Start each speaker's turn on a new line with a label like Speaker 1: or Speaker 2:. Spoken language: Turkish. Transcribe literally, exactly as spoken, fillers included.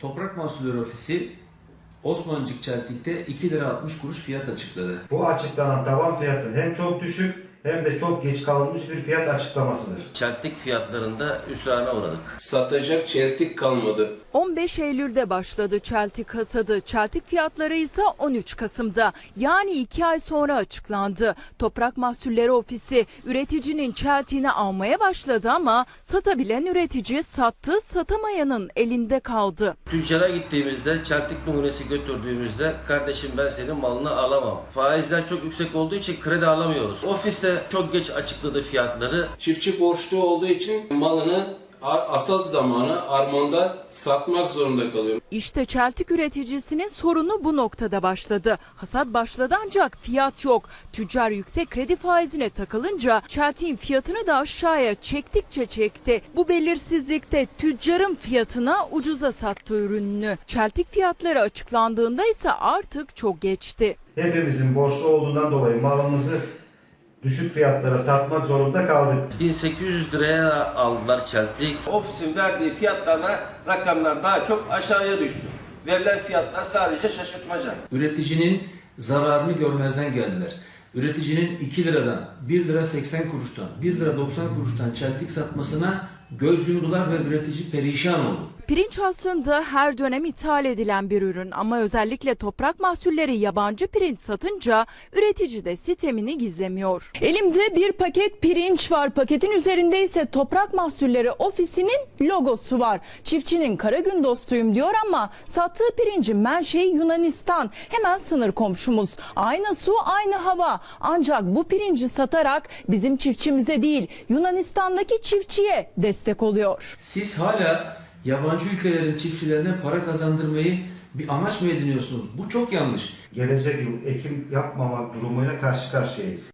Speaker 1: Toprak Mahsulleri Ofisi Osmancık Çeltik'te iki lira altmış kuruş fiyat açıkladı.
Speaker 2: Bu açıklanan tavan fiyatı hem çok düşük hem de çok geç kalınmış bir fiyat açıklamasıdır.
Speaker 3: Çeltik fiyatlarında hüsrana uğradık.
Speaker 4: Satacak çeltik kalmadı.
Speaker 5: on beş Eylül'de başladı çeltik hasadı. Çeltik fiyatları ise on üç Kasım'da yani iki ay sonra açıklandı. Toprak Mahsulleri Ofisi üreticinin çeltiğini almaya başladı ama satabilen üretici sattı, satamayanın elinde kaldı.
Speaker 3: Tüccara gittiğimizde, çeltik numunesi götürdüğümüzde kardeşim ben senin malını alamam. Faizler çok yüksek olduğu için kredi alamıyoruz. Ofiste çok geç açıkladı fiyatları.
Speaker 4: Çiftçi borçlu olduğu için malını asıl zamanı armanda satmak zorunda kalıyor.
Speaker 5: İşte çeltik üreticisinin sorunu bu noktada başladı. Hasat başladı ancak fiyat yok. Tüccar yüksek kredi faizine takılınca çeltiğin fiyatını da aşağıya çektikçe çekti. Bu belirsizlikte tüccarın fiyatına ucuza sattı ürününü. Çeltik fiyatları açıklandığında ise artık çok geçti.
Speaker 2: Hepimizin borçlu olduğundan dolayı malımızı düşük fiyatlara satmak zorunda kaldık.
Speaker 3: bin sekiz yüz liraya aldılar çeltik. Ofisin verdiği fiyatlarla rakamlar daha çok aşağıya düştü. Verilen fiyatlar sadece şaşırtmaca.
Speaker 1: Üreticinin zararını görmezden geldiler. Üreticinin iki liradan bir lira seksen kuruştan bir lira doksan kuruştan çeltik satmasına göz yumdular ve üretici perişan oldu.
Speaker 5: Pirinç aslında her dönem ithal edilen bir ürün ama özellikle toprak mahsulleri yabancı pirinç satınca üretici de sitemini gizlemiyor. Elimde bir paket pirinç var. Paketin üzerinde ise Toprak Mahsulleri Ofisi'nin logosu var. Çiftçinin kara gün dostuyum diyor ama sattığı pirincin menşei Yunanistan. Hemen sınır komşumuz. Aynı su, aynı hava. Ancak bu pirinci satarak bizim çiftçimize değil Yunanistan'daki çiftçiye destek oluyor.
Speaker 1: Siz hala yabancı ülkelerin çiftçilerine para kazandırmayı bir amaç mı ediniyorsunuz? Bu çok yanlış.
Speaker 2: Gelecek yıl ekim yapmamak durumuyla karşı karşıyayız.